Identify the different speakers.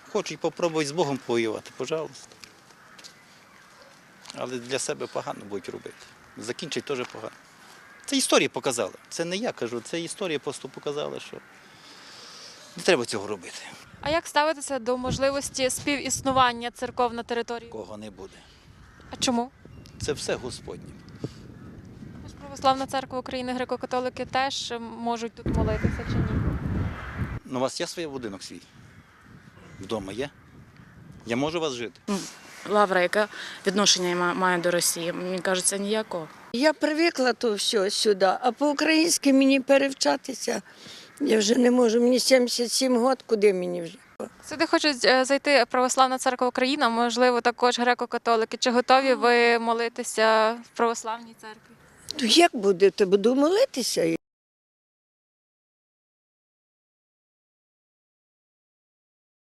Speaker 1: хочуть попробувати з Богом повоювати, пожалуйста. Але для себе погано будуть робити. Закінчить теж погано. Це історія показала. Це не я кажу, це історія просто показала, що не треба цього робити.
Speaker 2: А як ставитися до можливості співіснування церков на території?
Speaker 1: Кого не буде.
Speaker 2: А чому?
Speaker 1: Це все Господнє.
Speaker 2: Тож Православна церква України, греко-католики теж можуть тут молитися чи ні?
Speaker 1: Ну, у вас є свій будинок свій? Вдома є? Я можу у вас жити?
Speaker 3: Лавра, яке відношення має до Росії? Мені кажеться, ніякого.
Speaker 4: Я привикла то все сюди, а по-українськи мені перевчатися. Я вже не можу, мені 77 років, куди мені вже?
Speaker 2: Сюди хочуть зайти Православна церква України, можливо, також греко-католики. Чи готові ви молитися в православній церкві?
Speaker 4: То як будете? Буду молитися.